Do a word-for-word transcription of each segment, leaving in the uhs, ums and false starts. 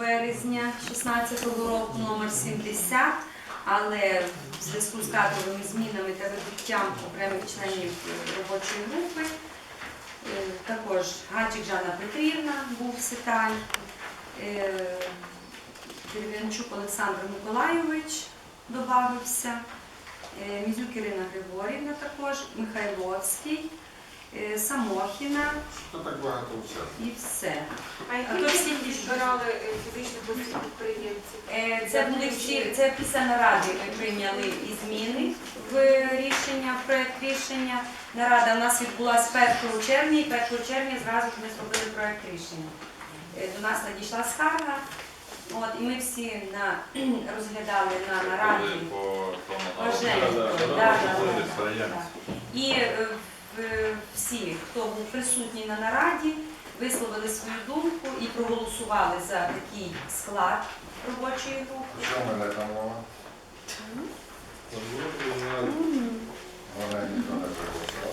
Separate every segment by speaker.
Speaker 1: березня шістнадцятого року номер сімдесят, але в зв'язку з кадровими змінами та вибуттям окремих членів робочої групи, також Гаджик Жанна Петрівна був Ситаль, Дерев'янчук Олександр Миколайович додався, Мізюк Ірина Григорівна також, Михайловський, Самохіна.
Speaker 2: Що так багато все?
Speaker 1: І все.
Speaker 3: А які всі збирали фізичних підприємців?
Speaker 1: Це були всі, це після наради ми прийняли і зміни в рішення, в проєкт рішення. Нарада у нас відбулася першого червня, і першого червня зразу ж ми зробили проєкт рішення. До нас надійшла скарга, от, і ми всі на, розглядали на нараді. І всі, хто був присутній на нараді, висловили свою думку і проголосували за такий склад робочої групи.
Speaker 2: Що в мене там мова? Вона ніхто не проголосувала.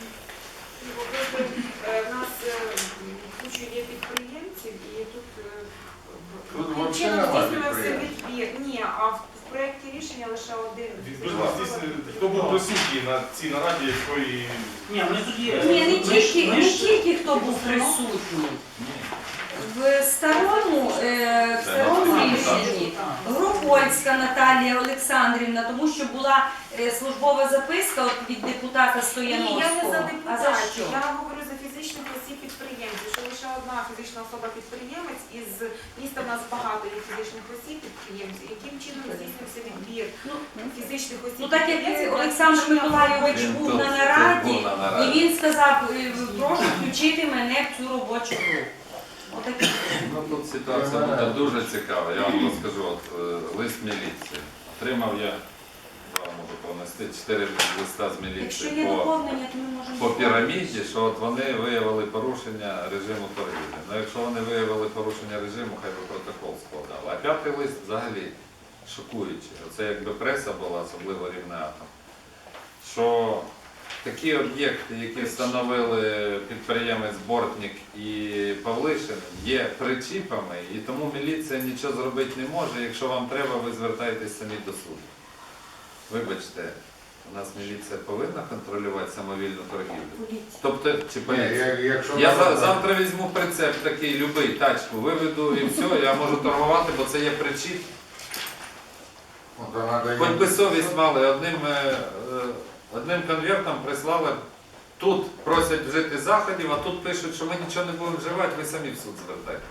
Speaker 3: У нас куча є підприємців і тут
Speaker 2: Тут
Speaker 3: яким
Speaker 2: взагалі
Speaker 3: чином
Speaker 2: немає
Speaker 3: здійснювався
Speaker 2: підприємців.
Speaker 3: відбір. Ні, а в проєкті рішення лише один.
Speaker 4: Хто був присутній на цій нараді, якої...
Speaker 5: Ні, ми тут є.
Speaker 1: Ні, не
Speaker 5: Ми ж-
Speaker 1: тільки,
Speaker 5: ми
Speaker 1: не
Speaker 5: ж-
Speaker 1: тільки хто був присутній. В старому, е, в старому рішенні Гропольська Наталія Олександрівна, тому що була е, службова записка от від депутата
Speaker 3: Ні,
Speaker 1: Стояновського.
Speaker 3: я не за
Speaker 1: А за
Speaker 3: депутатів,
Speaker 1: що?
Speaker 3: я говорю за фізичних осіб підприємців, що лише одна фізична особа підприємець, із міста в нас багато є фізичних осіб підприємців. Яким чином здійснився відбір фізичних осіб
Speaker 1: Ну так
Speaker 3: підприємців?
Speaker 1: як
Speaker 3: на
Speaker 1: Олександр
Speaker 3: здійснення
Speaker 1: Миколайович
Speaker 3: роботи?
Speaker 1: був
Speaker 6: Він
Speaker 1: на
Speaker 6: тут-
Speaker 1: нараді,
Speaker 6: тут був на нараді.
Speaker 1: і він сказав, е, прошу включити мене в цю робочу групу. Отакі.
Speaker 6: Ну тут ситуація буде дуже цікава. Я вам розкажу, от е, лист міліції. Отримав я, вам можу понести, чотири листа з
Speaker 1: Якщо
Speaker 6: міліції
Speaker 1: є
Speaker 6: по,
Speaker 1: доповнення, то ми можемо...
Speaker 6: по піраміді, що от вони виявили порушення режиму торгівлі. Ну якщо вони виявили порушення режиму, хай би протокол складали. А п'ятий лист взагалі шокуючий. Оце якби преса була, особливо Рівне Атом. Що такі об'єкти, які встановили підприємець Бортник і Павлишин, є причіпами, і тому міліція нічого зробити не може. Якщо вам треба, ви звертаєтесь самі до суду. Вибачте, у нас міліція повинна контролювати самовільну торгівлю. Тобто, чи
Speaker 2: Ні,
Speaker 6: поліція?
Speaker 2: я- якщо
Speaker 6: Я
Speaker 2: вона-
Speaker 6: за- завтра візьму прицеп такий, любий, тачку, виведу і все, я можу торгувати, бо це є причіп.
Speaker 2: От вона дає-
Speaker 6: Хоч би совість мали, одним, е, е, одним конвертом прислали, тут просять вжити заходів, а тут пишуть, що ми нічого не будемо вживати, ви самі в суд звертайте.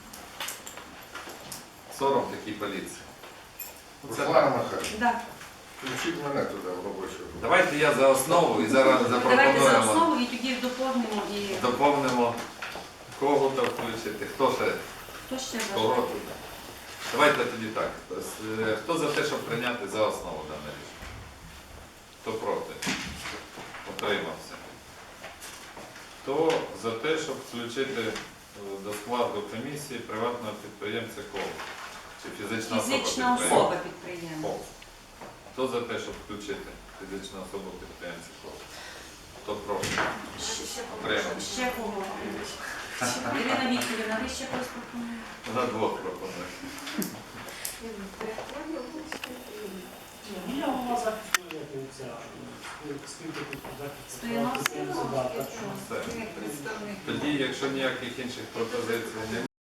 Speaker 6: Сором такій поліції. Ну, це
Speaker 2: Руслана
Speaker 6: так.
Speaker 2: Михайлівна,
Speaker 1: Да.
Speaker 2: включіть мене туди в робочу групу.
Speaker 6: Давайте я за основу і зараз
Speaker 1: Давайте за
Speaker 6: запропонуємо,
Speaker 1: основу і тоді доповнимо і
Speaker 6: доповнимо кого то включити, хто ще,
Speaker 1: хто ще
Speaker 6: кого
Speaker 1: бажає.
Speaker 6: туди. Давайте тоді так. Е, Хто за те, щоб прийняти за основу дане рішення? Хто проти? Утримався. Хто за те, щоб включити е, до складу комісії приватного підприємця коло? Чи фізична особа
Speaker 1: Фізична
Speaker 6: підприємця?
Speaker 1: особа підприємця.
Speaker 6: Кол. Хто за те, щоб включити фізичну особу підприємця коло? Хто проти? Утримався.
Speaker 1: Ще кого? Ірина Вікторівна, ви ще когось пропонуєте?
Speaker 6: На двох пропонує.
Speaker 5: Ні, я голова захисту, як і ця, спілки тут захисту.
Speaker 1: Стояновський?
Speaker 5: Да, так що.
Speaker 6: Все. Тоді, якщо ніяких інших пропозицій немає.